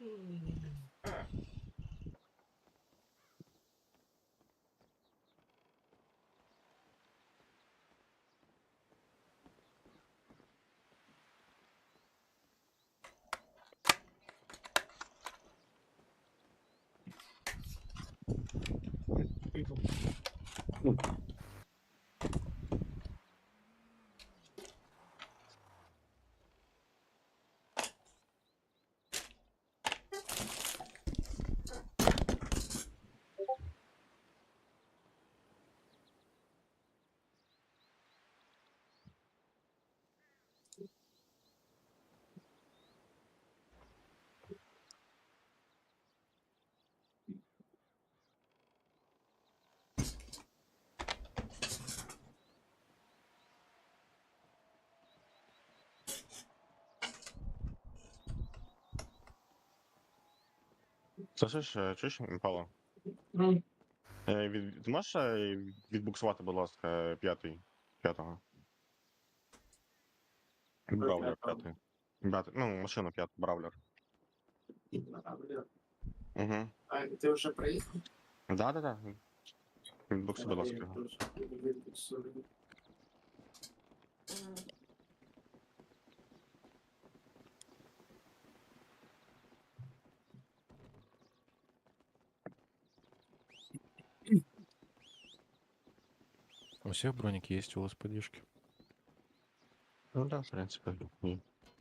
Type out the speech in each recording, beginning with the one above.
Слышиш, чуєш, Павло? Ти можеш відбуксувати, будь ласка, п'ятого? Бравлер п'ятий. Ну, машина п'ята, Бравлер. Угу. А ти вже приїхав? Да. Відбукси, будь ласка, його. У всех броники есть, у вас поддержки. Ну да, в принципі. Ні.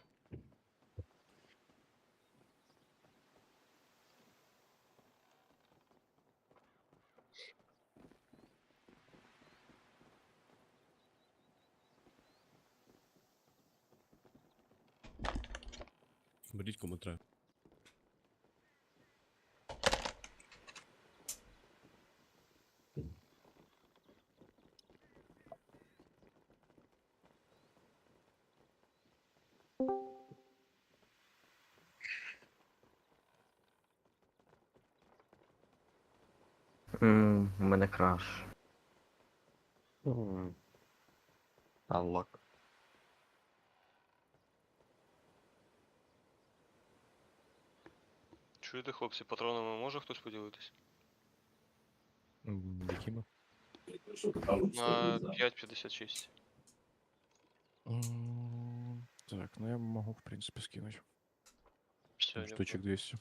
Беріть кому треба. У мене краш. Unlock. Чуєте, хлопці, патронами може хтось поділитись? Якими? На 5,56. Так, ну я могу, в принципе, скинуть. Все, Штучек 200.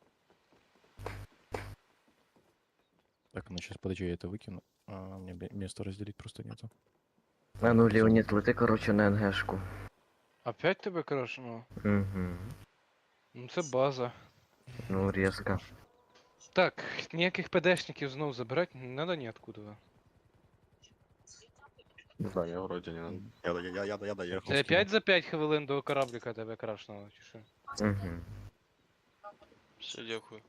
Так, ну сейчас, подожди, я это выкину. Мне место разделить просто нету. А ну, Леонід, лети, короче, на НГшку. Опять тебе крашено? Угу. Ну це база. Ну, різко. Так, ніяких ПДшників знов забирати не надо ніоткуда. Не знаю, я вроді не. Я доїхав. Це 5 за 5 хвилин до корабліка тебе крашнуло, чи що? Угу. все, дякую.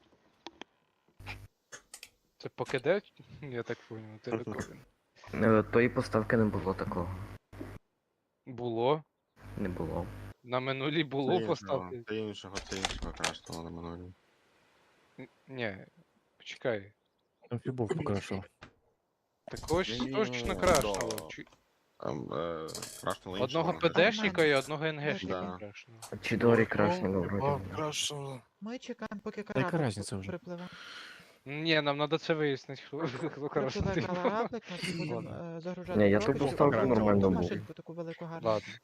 Це по КД? Я так понял, ти такой. Тої поставки не було такого. Було. Не було. На минулій було поставки. Це іншого крашного на минулі. Ні, почекай. Амфибовку крашил. Такого ж Ні-ні-ні, точно крашнуло. да. Крашнуло іншого. Одного ПДшника і одного НГшника Да. крашнуло. Чидорі крашного вроді. Ми чекаємо, поки Та яка кораблик разниця вже? припливе. Ні, нам треба це вияснити, хто Припливе крашнув. кораблик, ми будемо Ладно. загружати. Ні, я коробочку, ту поставку і нормально цю був. машинку таку велику гарну. Ладно.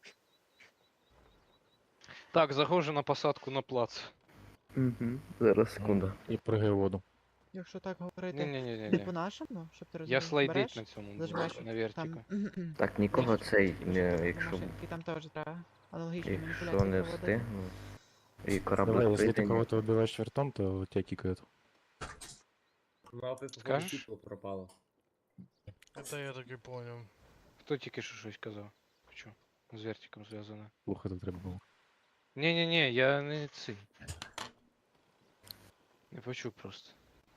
Так, заходжу на посадку на плац. Угу. Зараз, секунду. И прыгай в воду. Якщо так говорити Ні-ні-ні. по-нашому, щоб ти Я розумів, слайдить береш, на цьому буду, зажимаєш на там, вертіка. Так, нікого цей, якщо, машинки, там теж треба аналогічні якщо маніпуляції не проводити. встигну. І Давай, кораблик если ты прийде. кого-то убиваешь вертом, то тебя кикают. Мапи Скажеш? світло пропало. Это я так и понял. Хто тільки що щось казав? Що? З вертиком зв'язане. Плохо это треба было. Ні-ні-ні, я не цей. Не почув просто.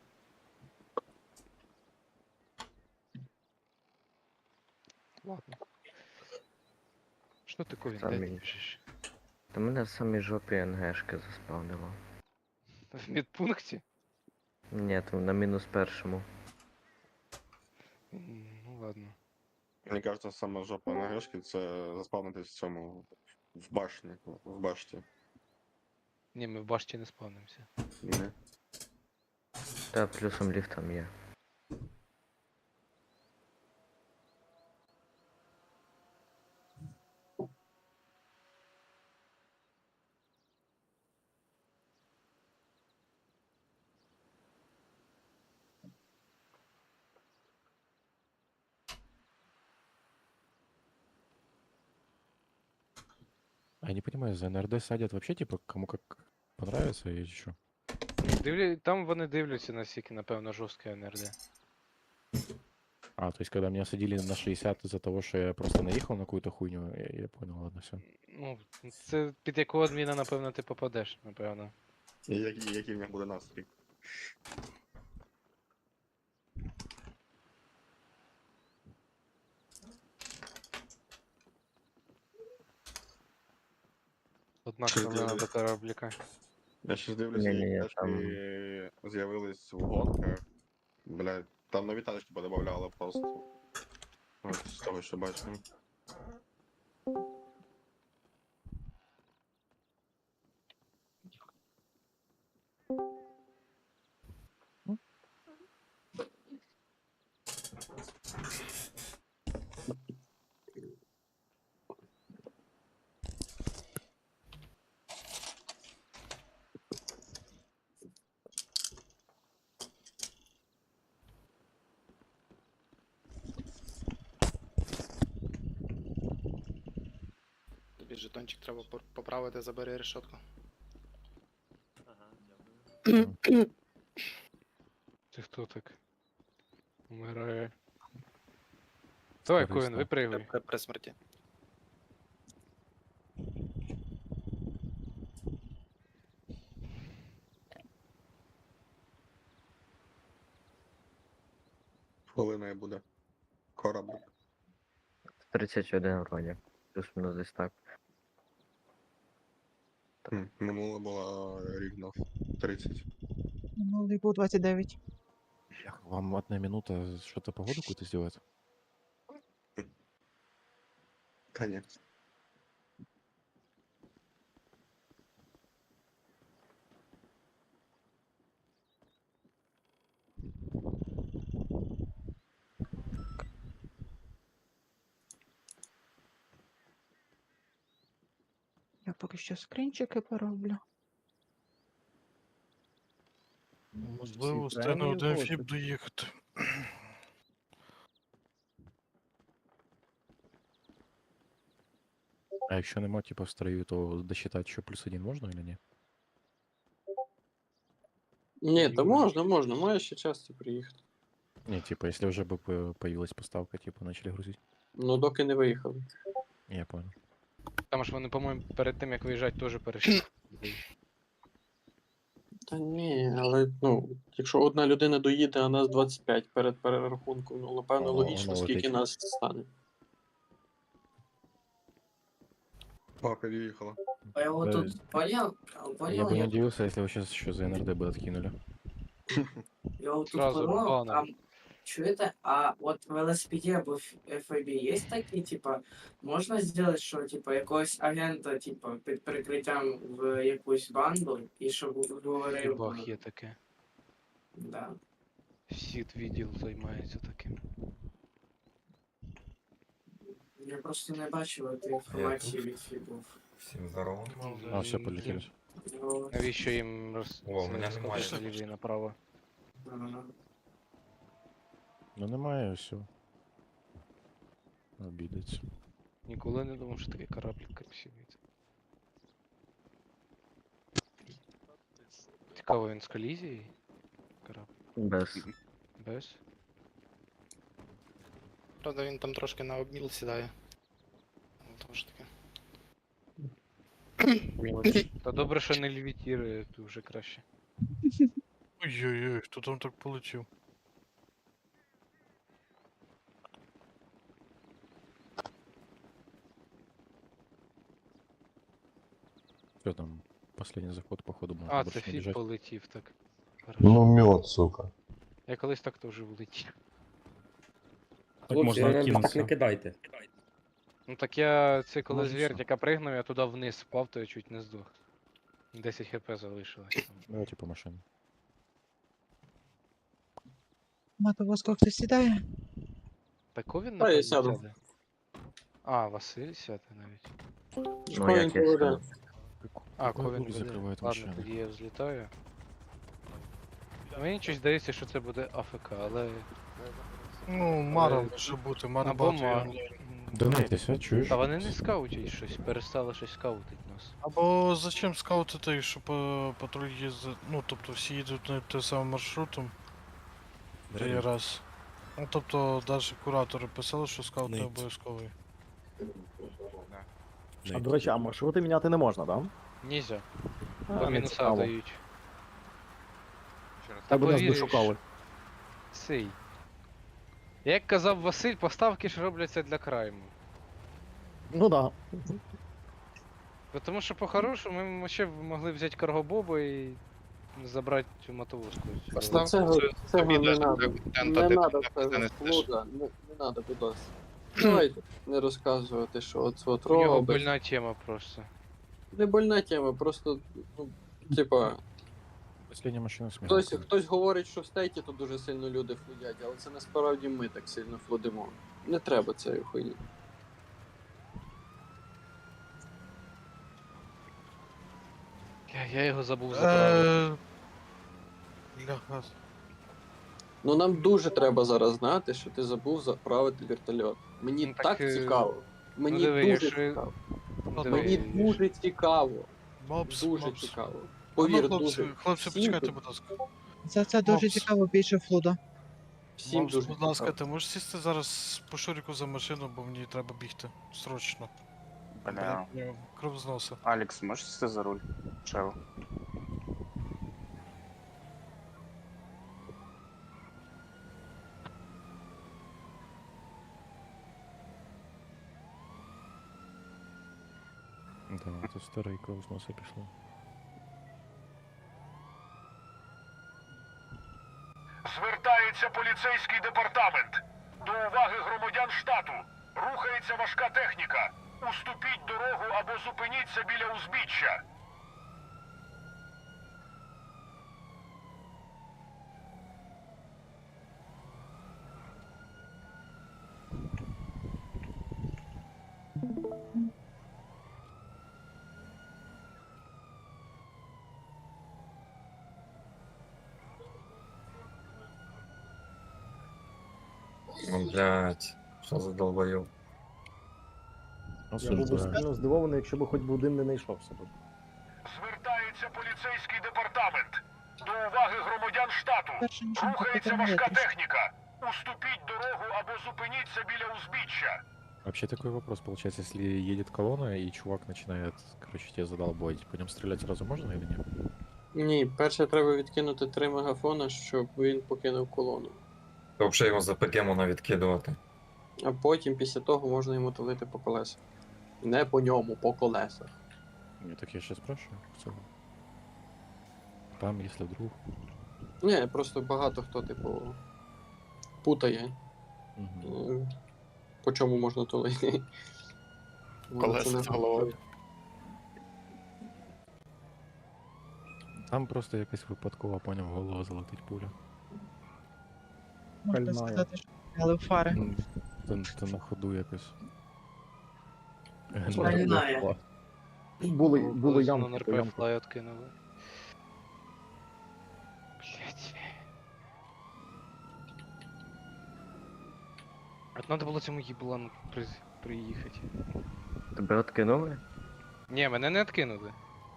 Ладно. Що ти ковін Самі. дядь пишеш? Та мене в самій жопі НГшки заспавнило. В медпункті? Ні, там на мінус першому. Ну ладно. Мені кажется, саме жопа на грешки це заспавнитись в цьому в башні. В башті. Ні, ми в башті не спавнимося. Не. Та плюсом ліфт там є. А я не понимаю, за НРД садят вообще, типа, кому как понравится или что? Там вони дивляться, наскільки, напевно, жорстке НРД. А, то есть, когда меня садили на 60 из-за того, что я просто наехал на какую-то хуйню, я понял, ладно, все. Ну, це під якого адміна, напевно, ти попадеш, напевно. І який в них буде настрій? Одна Що хвилина зробили? до корабліка. Я ще дивлюся, Ні-ні-ні, які там- тачки з'явились в гонках. Блядь, там нові тачки подобавляли просто. От з того, що бачимо. Тобі жетончик треба поправити, забери решетку. Ти хто так? Умирає. Давай, Корисно. Ковен, випригуй. При смерті. Хвилиною буде. Кораблик. 31 вроді. Плюс-мінус десь так. Минуло було рівно 30. Минулий був 29. Вам одна минута что-то погоду какую-то сделать? Та ні. Я поки що скринчики пороблю. Можливо, встигне один фіп доїхати. А якщо нема, типа, в строю, то досчитать еще +1 можно или нет? Ні, та можна, має ще час приїхати. Не, типа, если уже бы появилась поставка, типа, начали грузить. Ну, доки не виїхали. Я понял. Там ж вони, по-моєму, перед тим, як виїжджати, теж перейшли. Та ні, але ну, якщо одна людина доїде, а нас 25 перед перерахунком, ну, напевно, О, логічно, ну, скільки летить. нас стане. Папа їхала. А я вот Да. тут понял, Я бы не удивился, если вы сейчас еще за НРД бы откинули. я вот тут Сразу понял, баном. там, что это, а вот в велосипеде або в FAB есть такие, типа, можно сделать, що, типа, якогось агента, типа, під прикриттям в якусь банду, і щоб говорив, Бах є таке. да. Сіт відділ займається таким. Я просто не бачив цієї інформації від фібів. Всім здорово. А, все, полетели. Ну, Навіщо їм О, мене немає. розказувати наліво і направо? ага. Ну немає, все. Обідеться. Ніколи не думав, що такий кораблик красивий. Цікаво, він з колізією? Корабль. Без. Без? Правда, він там трошки на обміл сідає. Ну, тому що таке. Та добре, що не левітірує, то вже краще. Ой-ой-ой, хто там так полетів? Все там, последний заход, походу, можно А, больше це не фіт бежать. полетів, так. Ну, мед, сука. Я колись так теж влетів. Так можно откинуться. кидайте. Ну так я це коли Може, з все. вертика пригнув, я туди вниз впав, то я чуть не здох. 10 хп залишилось. Давайте по машині. Мотовозку хтось сідає? Пековін Та, я напевно сяду. сяде. А, Василь сяде навіть. Ну, Що як він я поведе? сказав. А, Какой ковін дур буде. закриває Ладно, машину? тоді я взлітаю. Мені щось здається, що це буде АФК, але. Ну, Мара Але- може бути, Мара Або багато є Мар. онлайн. Донайтеся, чуєш? Та вони не скаутять щось, перестали щось скаутить нас. Або зачем скаутити, якщо патруль їздить, ну, тобто всі їдуть на тим самим маршрутом, це є раз. Ну, тобто, навіть куратори писали, що скаут не обов'язковий. А, до речі, а маршрути міняти не можна, так? Нельзя. А, Бо не мінуса цікаво. дають. Та Тебе нас повіриш, дошукали. Сей. Як казав Василь, поставки ж робляться для крайму. Ну да. Бо тому що по-хорошому ми ще б могли взяти каргобобу і забрати цю мотовозку. Цього не надо. Не надо це флуда, не надо, будь ласка. Давайте не розказувати, що от У нього робить. больна тема просто. Не больна тема, просто, ну, типа, Последня машина сміху. хтось говорить, що в стейті тут дуже сильно люди флудять, але це насправді ми так сильно флудимо. Не треба цієї хуйні. Я його забув забрати. Бляха. Ну нам дуже треба зараз знати, що ти забув заправити вертольот. Мені Ну, так так, цікаво. Мені диви, дуже якщо- цікаво. Диви, Мені дуже цікаво. Мопс, Дуже мопс. цікаво. А Повір, ну, хлопці, дуже. хлопці, Всім почекайте, тут- будь ласка. Це дуже Мопс. цікаво, більше флуда. Всім Мопс, дуже будь ласка, цікаво. ти можеш сісти зараз по шуріку за машину, бо мені треба бігти. Срочно. Бля. Блядь, кров з носа. Алекс, можеш сісти за руль? Чел. Да, це старий кров з носа пішло. Звертається поліцейський департамент. До уваги громадян штату. Рухається важка техніка. Уступіть дорогу або зупиніться біля узбіччя. Блять, що за долбойов. Я був би сильно здивований, якщо б хоч би один не знайшовся. Звертається поліцейський департамент. До уваги громадян штату. Перше нічого Рухається не важка трішки. техніка. Уступіть дорогу або зупиніться біля узбіччя. Вообще такой вопрос получается, если едет колонна и чувак начинает, короче, тебя задолбать, по нем стрелять сразу можно или нет? Ні, перше треба відкинути 3 мегафона, щоб він покинув колону. То взагалі його за ПК можна відкидувати. А потім, після того, можна йому тулити по колесах. Не по ньому, по колесах. Нет, так я сейчас спрашиваю в целом. Там, если вдруг. Ні, просто багато хто, типу, путає, Мгм. по чому можна тулити. Колеса Це не з головою. Там просто якась випадкова, поняв, в голову залетить пуля. Можна Пальмає. сказати, що але фари. То на ходу якось. Пальмає. Були Колись ямки, на то РП ямки. флай откинули. Блять. От надо було цьому їблану приїхати. Тебе откинули? Ні, мене не откинули.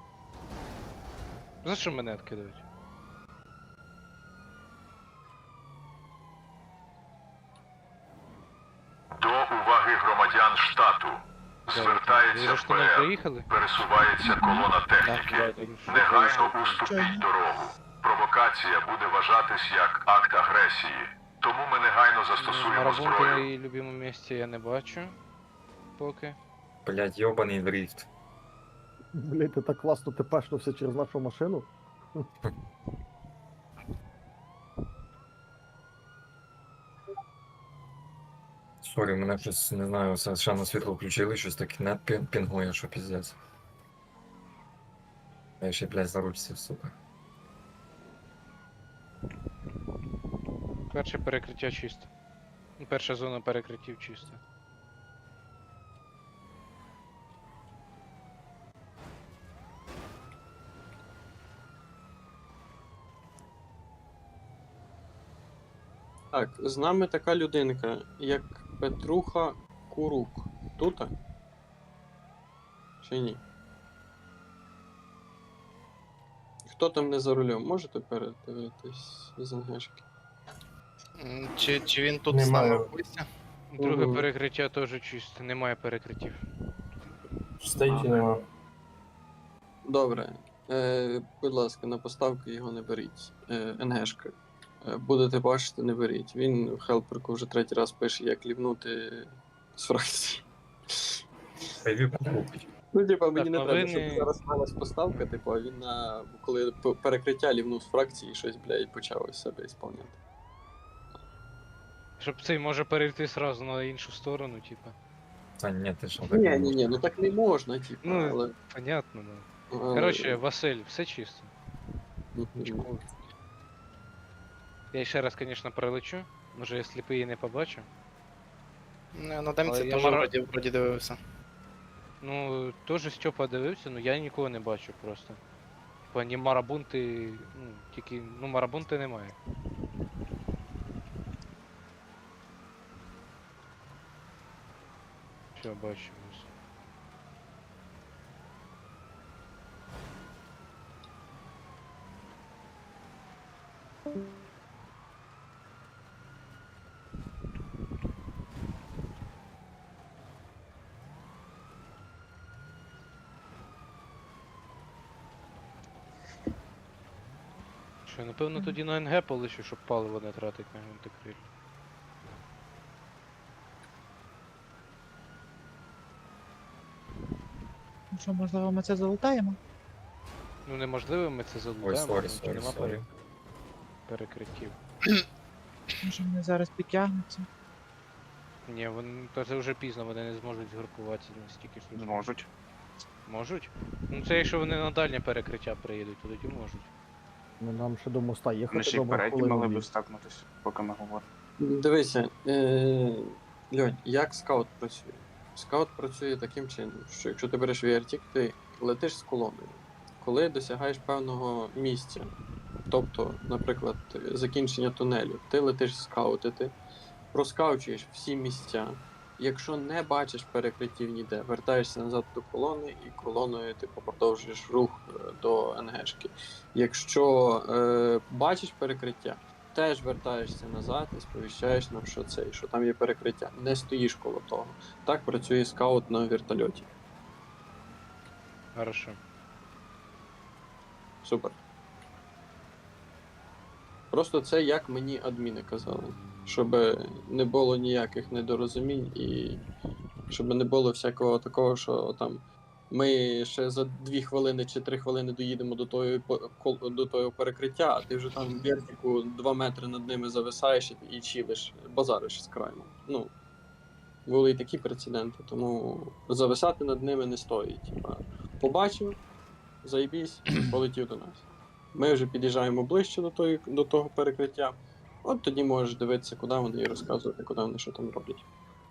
За що мене откидають? До уваги громадян штату. Ви Звертається за що нам ПР. приїхали? Пересувається колона техніки. Негайно уступіть дорогу. Провокація буде вважатись як акт агресії. Тому ми негайно застосуємо Марабунки на зброю. її любимому місці я не бачу. Поки. Блять, йобаний дрифт. Блять, ти так класно тепешнувся через нашу машину. Сорі, мене щось, не знаю, совершенно світло включили, щось таке нет пінгує, що піздець. Я ще, блядь, за руль сів, сука. Перше перекриття чисто. Ну, перша зона перекриттів чисто. Так, з нами така людинка, як Петруха Курук. Тута? Чи ні? Хто там не за рулем? Можете передивитись з ангешки? Чи він тут з нами в гості? Друге Мгм. перекриття теж чисто, немає перекриттів. Стейті нема. Добре. Будь ласка, на поставки його не беріть. НГшка. Будете бачити, не беріть. Він в хелперку вже третій раз пише, як лівнути з фракції. Хайві покупить. Ну, типа, мені не Так, треба, щоб новини- зараз малась поставка, типу, а він коли перекриття лівнув з фракції і щось, блядь, почав із себе ісполняти. Щоб цей може перейти сразу на іншу сторону, типа. Та ні, ти що так Ні, не ні, ні, можна. ну так не можна, типу, Ну, але. Понятно, ну. але- Коротше, Василь, все чисто. Мгм. Чекаю. Я ще раз, звісно, пролечу. Може я сліпий і не побачу. Ну, на демці Але я теж мара- вроді дивився. Ну, теж Степа дивився, ну я нікого не бачу просто. Типа ні марабунти, ну, тільки, ну марабунти немає. Все, бачу. ось. Що, напевно, тоді на НГ полишу, щоб паливо не тратить на гвинтокриль. Ну що, можливо, ми це залутаємо? Ну неможливо, ми це Ой, залутаємо, сорі, тому що сорі, нема сорі. перекриттів. Може вони зараз підтягнуться? Ні, вони, то це вже пізно, вони не зможуть згрупуватися настільки швидко. Зможуть. Можуть? Ну це якщо вони на дальнє перекриття приїдуть, то тоді можуть. Ну нам ще до моста їхати Вони ще й добре впереді хвилину могли б дві. стакнутися, поки ми говоримо. Дивися, Льонь, як скаут працює? Скаут працює таким чином, що якщо ти береш вертік, ти летиш з колоною. Коли досягаєш певного місця, тобто, наприклад, закінчення тунелю, ти летиш скаутити, проскаучуєш всі місця. Якщо не бачиш перекриттів ніде, вертаєшся назад до колони і колоною типу, продовжуєш рух до НГшки. Якщо бачиш перекриття, теж вертаєшся назад і сповіщаєш нам, що там є перекриття. Не стоїш коло того. Так працює скаут на вертольоті. Хорошо. Супер. Просто це як мені адміни казали. Щоб не було ніяких недорозумінь і щоб не було всякого такого, що там ми ще за 2 хвилини чи 3 хвилини доїдемо до того перекриття, а ти вже там в вертику 2 метри над ними зависаєш і чилиш, базариш з краю. Ну, були і такі прецеденти, тому зависати над ними не стоїть. Типа, побачив, заєбісь, полетів до нас. Ми вже під'їжджаємо ближче до того перекриття. От тоді можеш дивитися, куди вони і розказувати, куди вони що там роблять.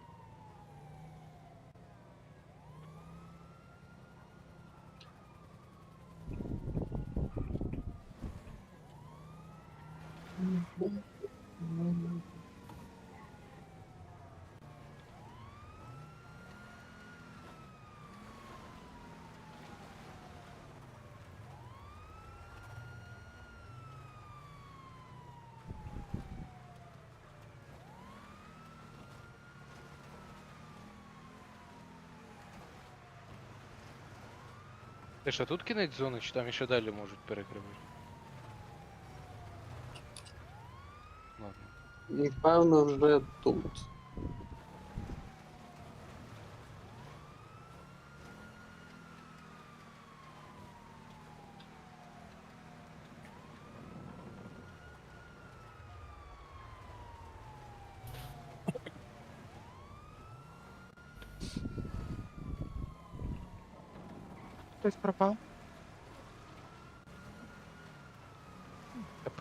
Ти що, тут кінець зони, чи там ще далі можуть перекривати? Ладно. Певно, вже тут. Хтось пропав?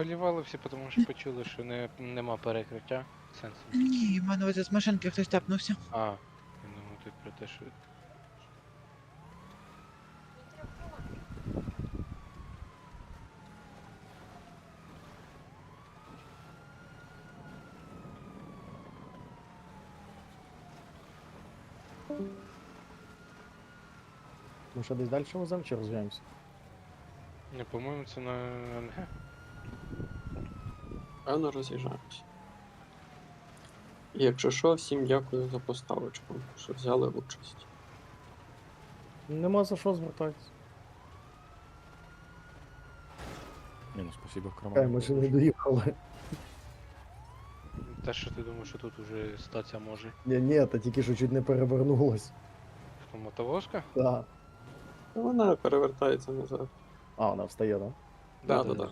полівали всі, тому що почули, що нема перекриття. Сенсу. Ні, в мене ось з машинки хтось тепнувся. А, я думаю, тут про те, що. Ми що десь далі веземо чи розв'яємося? Не, по-моєму, це на НГ. Певно роз'їжджаємось. І якщо що, всім дякую за поставочку, що взяли участь. Нема за що звертатися. Не, ну спасибо, Хай Карман. ми ще не доїхали. Те, що ти думаєш, що тут уже статися може. Ні, та тільки що чуть не перевернулось. Хто, мотовозка? Так. Вона перевертається назад. А, вона встає, так? Да-да-да.